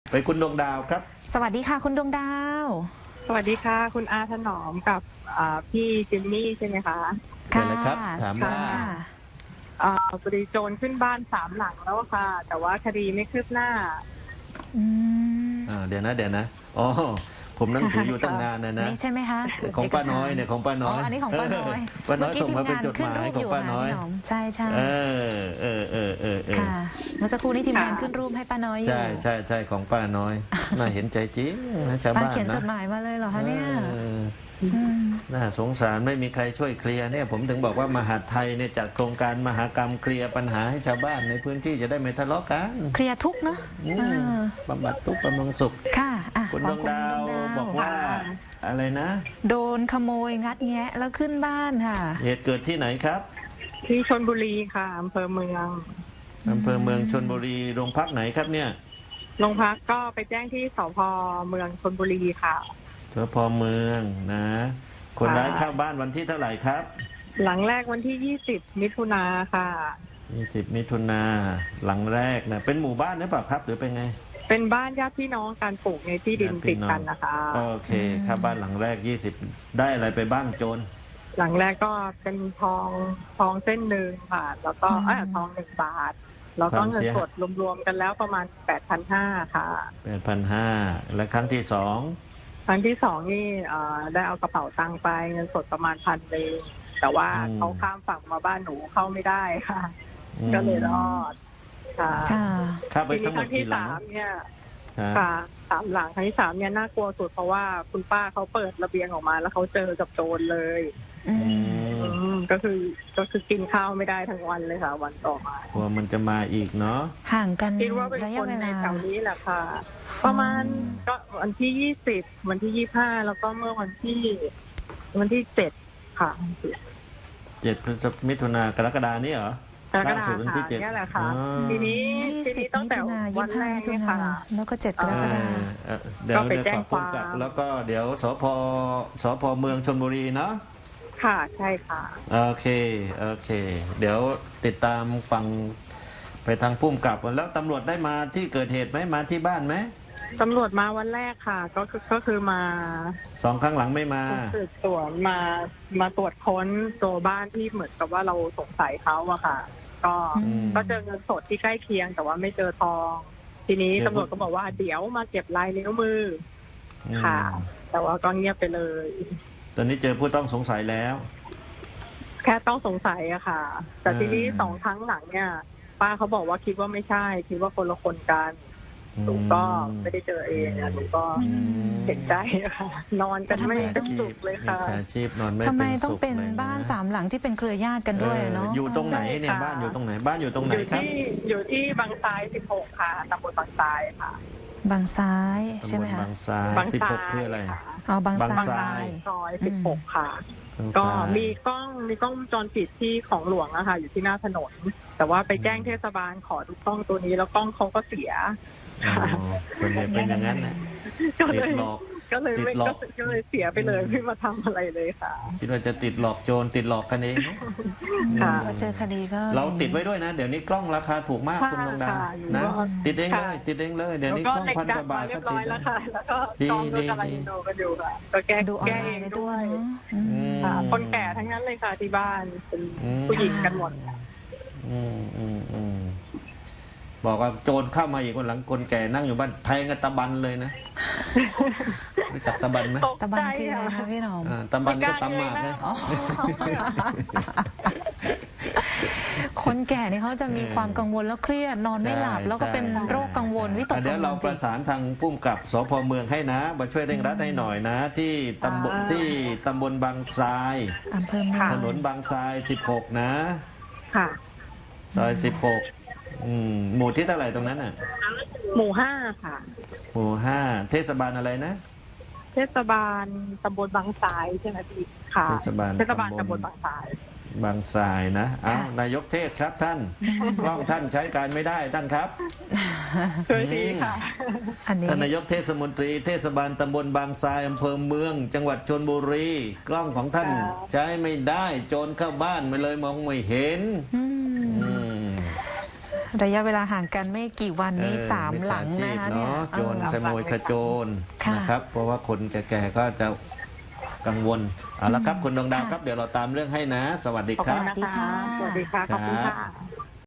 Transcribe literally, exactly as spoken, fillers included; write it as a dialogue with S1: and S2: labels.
S1: ไปคุณดวงดาวครับ
S2: สวัสดีค่ะคุณดวงดาว
S3: สวัสดีค่ะคุณอาถนอมกับพี่จิมมี่ใช่ไหมคะ
S1: ใช่เลยครับถามว่า
S3: บริโจรขึ้นบ้านสามหลังแล้วค่ะแต่ว่าคดีไม่คืบหน้า
S2: อืม
S1: เดี๋ยวนะเดี๋ยวนะอ๋อผมนั่งถืออยู่ตั้งนานนะนะ
S2: นี่ใช่ไหมคะ
S1: ของป้าน้อยเนี่ยของป้าน้อย
S2: อ๋ออันนี้ของป้าน้อย
S1: ป้าน้อยส่งมาเป็นจดหมายของป้าน้อย
S2: ใช่ใช่
S1: เออเออเออเออ
S2: ค่ะเมื่อสักครู่นี้ทีมงานขึ้นรูปให้ป้าน้อยอยู่
S1: ใช่ใช่ใช่ของป้าน้อยน่าเห็นใจจริงนะชาวบ้านนะ
S2: ป้าเขียนจดหมายมาเลยเหรอคะเนี่ย
S1: น่าสงสารไม่มีใครช่วยเคลียร์เนี่ยผมถึงบอกว่ามหาดไทยเนี่ยจัดโครงการมหากรรมเคลียร์ปัญหาให้ชาวบ้านในพื้นที่จะได้ไม่ทะเลาะกัน
S2: เคลียร์ทุกเนาะ
S1: บำบัดทุกบำรุงสุข
S2: ค่ะ
S1: คุณดวงดาวบอกว่าอะไรนะ
S2: โดนขโมยงัดแงะแล้วขึ้นบ้านค่ะ
S1: เหตุเกิดที่ไหนครับ
S3: ที่ชลบุรีค่ะอำเภอเมือง
S1: อำเภอเมืองชลบุรีโรงพักไหนครับเนี่ย
S3: โรงพักก็ไปแจ้งที่สพเมืองชลบุรีค่ะ
S1: สพเมืองนะคนร้ายเข้าบ้านวันที่เท่าไหร่ครับ
S3: หลังแรกวันที่ยี่สิบมิถุนาค่ะ
S1: ยี่สิบมิถุนาหลังแรกนะเป็นหมู่บ้านหรือเปล่าครับหรือเป็นไง
S3: เป็นบ้านญาติพี่น้องการปลูกในที่ดินติดกันนะคะ
S1: โอเคครับบ้านหลังแรกยี่สิบได้อะไรไปบ้างโจร
S3: หลังแรกก็เป็นทองทองเส้นหนึ่งค่ะแล้วก็เออทองหนึ่งบาทแล้วก็เงินสดรวมๆกันแล้วประมาณแปดพันห้าค่ะ
S1: แปดพันห้าและครั้งที่สอง
S3: ครั้งที่สองนี่ได้เอากระเป๋าตังค์ไปเงินสดประมาณพันเองแต่ว่าเขาข้ามฝั่งมาบ้านหนูเข้าไม่ได้ค่ะก็เลยรอดค่ะ
S1: ข้าไปทั้งหมดกี่หลัง
S3: เนี่ยค่ะสามหลังครั้งที่สามเนี่ยน่ากลัวสุดเพราะว่าคุณป้าเขาเปิดระเบียงออกมาแล้วเขาเจอกับโจรเลยก็คือก็คือกินข้าวไม่ได้ทั้งวันเลยค่ะวันต่อมาก
S1: ลัวมันจะมาอีกเนาะ
S2: ห่างกัน
S3: คิดว่าเป็นคนในแถวนี้แหละค่ะประมาณก็วันที่ยี่สิบวันที่ยี่ห้าแล้วก็เมื่อวันที่วันที่เจ็ดค่ะ
S1: เจ็ดพฤษภาคมมิถุนากรกฎานี้เหรอ
S3: กรกฎาคมที่เจ็ดนี่แหละค่ะทีนี้ทีนี้ตั้งแต่วันแรกเนี่ยค่ะ
S2: แล้วก็เจ็ดกรกฎาคม
S1: เดี๋ยวเดี๋ยวขอพูดกับแล้วก็เดี๋ยวสพสพเมืองชลบุรีเนาะ
S3: ค่ะใช่ค่ะ
S1: โอเคโอเคเดี๋ยวติดตามฟังไปทางพุ่มกับแล้วตำรวจได้มาที่เกิดเหตุไหมมาที่บ้านไหม
S3: ตำรวจมาวันแรกค่ะก็คือก็คือมา
S1: สองครั้งหลังไม่มา
S3: สืบสวนมามาตรวจค้นตัวบ้านที่เหมือนกับว่าเราสงสัยเขาอะค่ะก็ก็เจอเงินสดที่ใกล้เคียงแต่ว่าไม่เจอทองทีนี้ตำรวจก็บอกว่าเดี๋ยวมาเก็บลายนิ้วมือค่ะแต่ว่าก็เงียบไปเลย
S1: ตอนนี้เจอผู้ต้องสงสัยแล้ว
S3: แค่ต้องสงสัยอะค่ะแต่ทีนี้สองครั้งหลังเนี่ยป้าเขาบอกว่าคิดว่าไม่ใช่คิดว่าคนละคนกันหนูก็ไม่ได้เจอเองอะหนูก็เห็นใจค่ะนอนกันไม่เป็นสุขเลยค่ะ
S1: อาชีพนอนไม่
S2: ทำไม
S1: เป็น
S2: ต้อง
S1: สุข
S2: เป็นบ้านสามหลังที่เป็นเครือญาติกันด้วยเนาะ
S1: อยู่ตรงไหนเนี่ยบ้านอยู่ตรงไหนบ้านอยู่ตรงไหนครับ
S3: อยู่ที่บางซ้ายสิบหกค่ะตำบลบางซ้ายค่ะ
S2: บางซ้ายใช่ไหมคะ
S1: บางซ้ายสิบหกคืออะไร
S2: อ๋อบาง
S3: ซ้ายซอยสิบหกค่ะก็มีกล้องมีกล้องวงจรปิดที่ของหลวงอะค่ะอยู่ที่หน้าถนนแต่ว่าไปแจ้งเทศบาลขอดูกล้องตัวนี้แล้วกล้องเขาก็เสีย
S1: ส่วนใหญ่เป็นอย่างนั้นนะติดหลอก
S3: ก็เลยไม่ก็เลยเสียไปเลยไม่มาทำอะไรเลยค่ะ
S1: คิดว่าจะติดหลอกโจรติดหลอกกันเอง
S2: พอเจอคดีก็
S1: เราติดไว้ด้วยนะเดี๋ยวนี้กล้องราคาถูกมากคุณดวงดาวนะติดเองเลยติดเองเลยเดี๋ยวนี้กล้องพันกว่าบาทก็ติด
S3: แล้วค่ะแล้วก็กล้องด้วยอะไรดูกันอยู่ค่ะก็แก้แก้เองด้วยคนแก่ทั้งนั้นเลยค่ะที่บ้านเป็นผู้หญิงกันหมด
S1: อืมอืมอืมบอกว่าโจรเข้ามาอีกคนหลังคนแก่นั่งอยู่บ้านแทงกันตะบันเลยนะรู้จักตะบันไหม
S2: ตะบันคืออะไรคะพี่หนอม
S1: ตะบันก็ตำหมากนะ
S2: คนแก่นี่เขาจะมีความกังวลแล้วเครียดนอนไม่หลับแล้วก็เป็นโรคกังวลวิตกกังวล
S1: เดี๋ยวเราประสานทางพุ่มกับสพเมืองให้นะมาช่วยเร่งรัดให้หน่อยนะที่ตำบลที่ตำบลบางทราย
S2: อำเภอเมือง
S1: ถนนบางทรายสิบหกนะ
S3: ค่ะ
S1: ซอยสิบหกหมู่ที่เท่าไหร่ตรงนั้นน่ะ
S3: หมู่ห้าค่ะ
S1: หมู่ห้าเทศบาลอะไรนะ
S3: เทศบาลตำบลบางทรายใช่ไหมพี่ค่ะ
S1: เทศบาล
S3: เทศบาลตำบลบางทราย
S1: บางทรายนะอ้าวนายกเทศครับท่านกล้องท่านใช้การไม่ได้ท่านครับ
S3: ช่วยดีค่ะ
S1: ท่านนายกเทศมนตรีเทศบาลตำบลบางทรายอำเภอเมืองจังหวัดชลบุรีกล้องของท่านใช้ไม่ได้โจรเข้าบ้านมาเลยมองไม่เห็น
S2: ระยะเวลาห่างกันไม่กี่วันนี้
S1: เออ
S2: สาม
S1: จ
S2: หลัง
S1: ชี
S2: นะ
S1: พ
S2: คะเนี่ย
S1: เนาะโจร
S2: เออ
S1: ขโมยขโจร
S2: ค่ะ
S1: นะครับ เพราะว่าคนแก่ๆก็จะกังวลเอาละครับคุณดวงดาว
S2: ค่ะ
S1: ครับเดี๋ยวเราตามเรื่องให้นะ สวัสดี
S3: ขอบ
S1: ครั
S3: คุ
S1: บ
S3: ณนะคะ สวัสดีค่ะ ขอบคุณค่ะ